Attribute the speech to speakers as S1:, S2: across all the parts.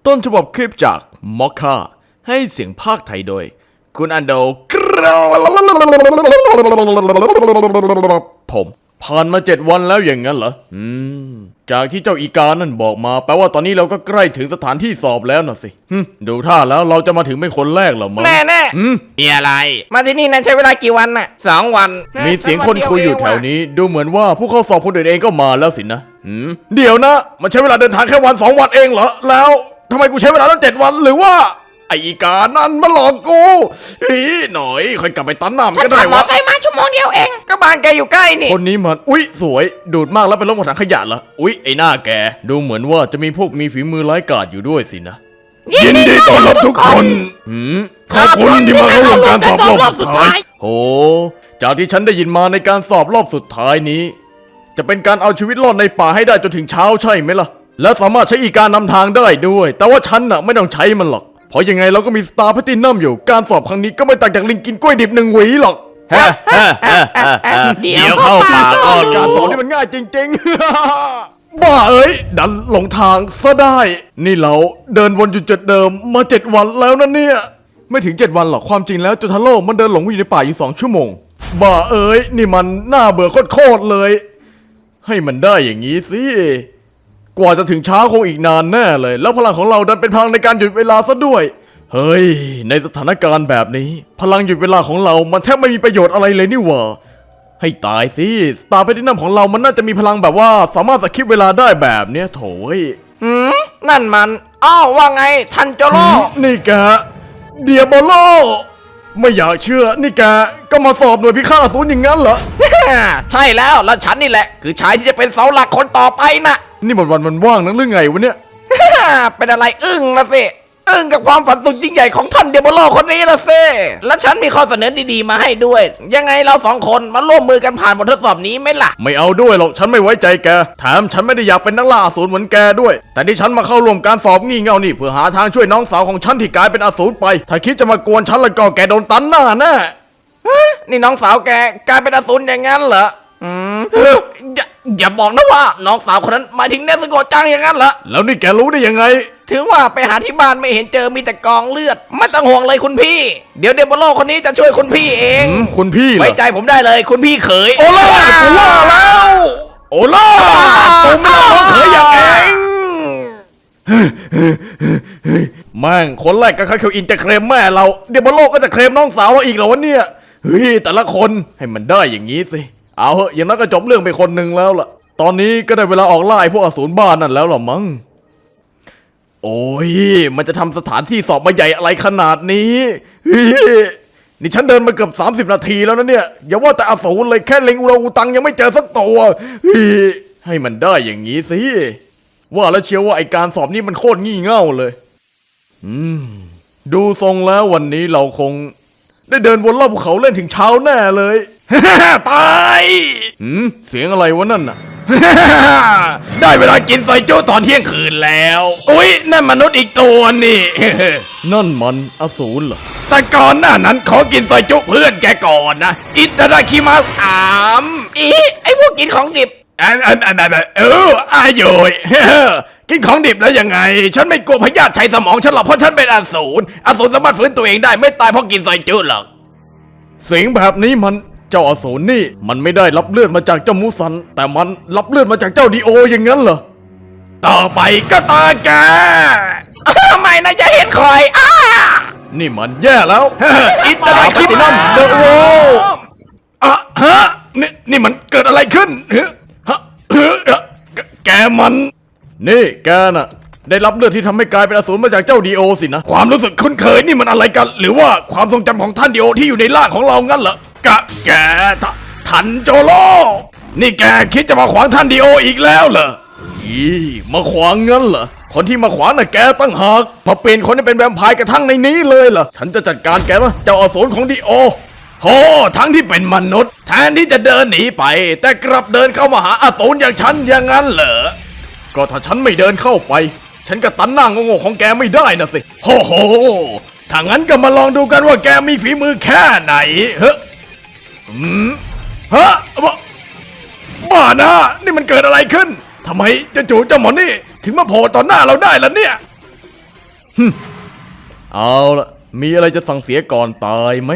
S1: ต้นฉบับคลิปจากมอคค่าให้เสียงภาคไทยโดยคุณอันโดผมผ่านมา7 วันแล้วอย่างนั้นเหรอจากที่เจ้าอีกานั่นบอกมาแปลว่าตอนนี้เราก็ใกล้ถึงสถานที่สอบแล้วน่ะสิดูท่าแล้วเราจะมาถึงเป็นคนแรกเหรอมั้ง
S2: แน่
S3: มีอะไร
S2: มาที่นี่นั้นใช้เวลากี่วันน่ะ2 วัน
S1: มีเสียงคนคุยอยู่แถวนี้ดูเหมือนว่าผู้เข้าสอบคนอื่นเองก็มาแล้วสินะเดี๋ยวนะมันใช้เวลาเดินทางแค่วัน2 วันเองเหรอแล้วทำไมกูใช้เวลาตั้ง7 วันหรือว่าไอ้อีกานั่นมาหลอกกูหน่อยค่อยกลับไปตันน้ำก็ได้วะ
S2: ขับมอเตอร์ไซค์มาชั่วโมงเดียวเองก็บ้านแกอยู่ใกล้นี่
S1: คนนี้มันสวยดูดมากแล้วเป็นลมกับถังขยะเหรอไอ้หน้าแกดูเหมือนว่าจะมีพวกมีฝีมือร้ายกาจอยู่ด้วยสินะยินดีต้อนรับทุกคนขอบคุณที่มาเข้าร่วมการสอบรอบสุดท้ายโหจากที่ฉันได้ยินมาในการสอบรอบสุดท้ายนี้จะเป็นการเอาชีวิตรอดในป่าให้ได้จนถึงเช้าใช่ไหมล่ะและสามารถใช้อีกา นำทางได้ด้วยแต่ว่าฉันน่ะไม่ต้องใช้มันหรอกเพราะยังไงเราก็มีสตาร์แพลตินัมอยู่การสอบครั้งนี้ก็ไม่ต่างจากลิงกินกล้วยดิบ1 หวีหรอก
S3: เดี๋ยวเข้าป่าก็รู้
S1: การสอบนี่มันง่ายจริงๆบ้าดันหลงทางซะได้นี่เราเดินวนอยู่จุดเดิมมา7 วันแล้วนะเนี่ยไม่ถึง7 วันหรอกความจริงแล้วจูทาโร่มันเดินหลงอยู่ในป่าอยู่2 ชั่วโมงบ้านี่มันน่าเบื่อโคตรเลยให้มันได้อย่างนี้สิกว่าจะถึงเช้าคงอีกนานแน่เลยแล้วพลังของเราดันเป็นพลังในการหยุดเวลาซะด้วยเฮ้ยในสถานการณ์แบบนี้พลังหยุดเวลาของเรามันแทบไม่มีประโยชน์อะไรเลยนี่หว่าให้ตายสิสตาร์แพลตินัมของเรามันน่าจะมีพลังแบบว่าสามารถสคิปเวลาได้แบบเนี้ยโถ่
S2: นั่นมันอ้าวว่าไงทันโจโร่
S1: นี่แกเดียโบโลไม่อยากเชื่อนี่แกก็มาสอบหน่วยพิฆาตอสูรอย่างนั้นเหรอ
S2: ใช่แล้วฉันนี่แหละคือชายที่จะเป็นเสาหลักคนต่อไปน่ะ
S1: นี่วันมันว่างนักหรือไงวะเนี่ย
S2: เป็นอะไรอึ้งละสิอึ้งกับความฝันสุดยิ่งใหญ่ของท่านเดโบโลคนนี้ละสิและฉันมีข้อเสนอดีๆมาให้ด้วยยังไงเรา2 คนมาร่วมมือกันผ่านบททดสอบนี้ไหมล่ะ
S1: ไม่เอาด้วยหรอกฉันไม่ไว้ใจแกแถมฉันไม่ได้อยากเป็นนักล่าอสูรเหมือนแกด้วยแต่ที่ฉันมาเข้าร่วมการสอบงี่เง่านี่เพื่อหาทางช่วยน้องสาวของฉันที่กลายเป็นอสูรไปถ้าคิดจะมากวนฉันแล้วก็แกโดนตันหน้าแน่
S2: นี่น้องสาวแกกลายเป็นอสูรอย่างนั้นเหรออย่าบอกนะว่าน้องสาวคนนั้นหมายถึงเนสโกะจังอย่างนั้นเหรอ
S1: แล้วนี่แกรู้ได้ยังไง
S2: ถือว่าไปหาที่บ้านไม่เห็นเจอมีแต่กองเลือดไม่ต้องห่วงเลยคุณพี่เดี๋ยวเดโบโลคนนี้จะช่วยคุณพี่เอง
S1: คุณพี่เหรอ
S2: ไว้ใจผมได้เลยคุณพี่เขย
S1: โอล่ากูว่าแล้วโอล่าผมไม่ต้องเขยอย่างเองแม่งคนแรกก็คาเคียวอินจะเคลมแม่เราเดโบโลก็จะเคลมน้องสาวเราอีกเหรอวะเนี่ยเฮ้ยแต่ละคนให้มันได้อย่างนี้สิเอาเหอะอย่างนั้นก็จบเรื่องไปคนหนึ่งแล้วล่ะตอนนี้ก็ได้เวลาออกล่าพวกอสูรบ้านนั่นแล้วหรอมั้งโอ้ยมันจะทำสถานที่สอบมาใหญ่อะไรขนาดนี้นี่ฉันเดินมาเกือบ30 นาทีแล้วนะเนี่ยอย่าว่าแต่อสูรเลยแค่เล็งอูราอูตังยังไม่เจอสักตัวให้มันได้อย่างนี้สิว่าแล้วเชียวว่าไอการสอบนี่มันโคตรงี่เง่าเลยดูทรงแล้ววันนี้เราคงได้เดินวนรอบภูเขาเล่นถึงเช้าแน่เลยตายเสียงอะไรวะนั่นน่ะ ได้เวลากินไซจูตอนเที่ยงคืนแล้วอุ๊ยนั่นมนุษย์อีกตัวนี่ นั่นมันอสูรเหรอแต่ก่อนหน้านั้นขอกินไซจูเพื่อนแกก่อนนะอิตาดาคิมัส
S2: ไอ้พวกกินของดิบ
S1: อายยกินของดิบแล้วยังไงฉันไม่กลัวพยาธิชัยสมองฉันหรอกเพราะฉันเป็นอสูรสามารถฟื้นตัวเองได้ไม่ตายเพราะกินไซจูหรอกเสียงแบบนี้มันเจ้าอสูรนี่มันไม่ได้รับเลือดมาจากเจ้ามูซันแต่มันรับเลือดมาจากเจ้าดีโออย่างนั้นเหรอต่อไปก็ตาแก
S2: ทำไมนะจะเห็นคอย
S1: นี่มันแย่แล้วอิตาลีคิดนั่นเดอะโวนี่มันเกิดอะไรขึ้นแกมันนี่แกน่ะได้รับเลือดที่ทำให้กลายเป็นอสูรมาจากเจ้าดีโอสินะความรู้สึกคุ้นเคยนี่มันอะไรกันหรือว่าความทรงจำของท่านดีโอที่อยู่ในร่างของเรางั้นเหรอแกทันโจโลนี่แกคิดจะมาขวางท่านดีโออีกแล้วเหรอมาขวางงั้นเหรอคนที่มาขวางน่ะแกตั้งหากพอเปลี่ยนคนให้เป็นแวมไพร์กระทั่งในนี้เลยเหรอฉันจะจัดการแกนะเจ้าอสูรของดีโอโหทั้งที่เป็นมนุษย์แทนที่จะเดินหนีไปแต่กลับเดินเข้ามาหาอสูรอย่างฉันอย่างนั้นเหรอก็ถ้าฉันไม่เดินเข้าไปฉันก็ตันหน้าโง่ๆของแกไม่ได้นะสิโหถ้างั้นก็มาลองดูกันว่าแกมีฝีมือแค่ไหนบ้านะนี่มันเกิดอะไรขึ้นทำไมจู่ๆเจ้าหมอนี่ถึงมาโผล่ต่อหน้าเราได้ล่ะเนี่ยเอาละมีอะไรจะสั่งเสียก่อนตายไหม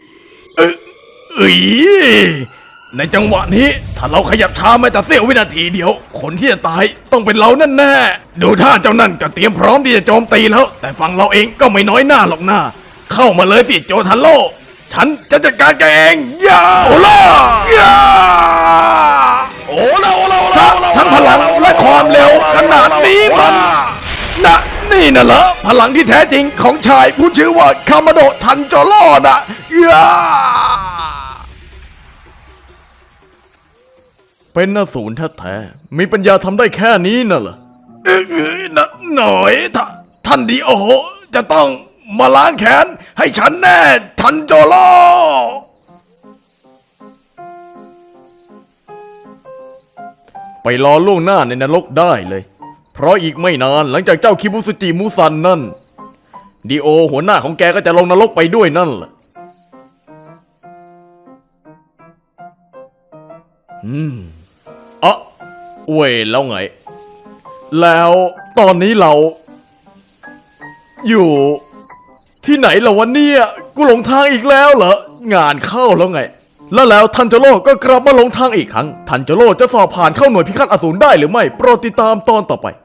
S1: ในจังหวะนี้ถ้าเราขยับช้าแม้แต่เสี้ยววินาทีเดียว คนที่จะตายต้องเป็นเราแน่ๆดูท่าเจ้านั่นก็เตรียมพร้อมที่จะโจมตีแล้ว แต่ฝั่งเราเองก็ไม่น้อยหน้าหรอกนะเข้ามาเลยสิโจทันโลฉันจะจัดการแกเองอย่าโอล่าอย่าโอล่าทั้งพลังและความเร็วขนาดนี้มันนี่น่ะเหรอพลังที่แท้จริงของชายผู้ชื่อว่าคามาโดะทันโจโร่น่ะเป็นอสูรแท้ๆมีปัญญาทำได้แค่นี้น่ะเหรอหน่อยท่านดีโอจะต้องมาล้างแค้นให้ฉันแน่ทันโจโร่ไปรอล่วงหน้าในนรกได้เลยเพราะอีกไม่นานหลังจากเจ้าคิบุสจิมูซันนั่นดีโอหัวหน้าของแกก็จะลงนรกไปด้วยนั่นแหละเว้ยแล้วไงแล้วตอนนี้เราอยู่ที่ไหนล่ะวะเนี่ยกูหลงทางอีกแล้วเหรองานเข้าแล้วไงแล้วทันโจโร่ก็กลับมาหลงทางอีกครั้งทันโจโร่จะสอบผ่านเข้าหน่วยพิฆาตอสูรได้หรือไม่โปรดติดตามตอนต่อไป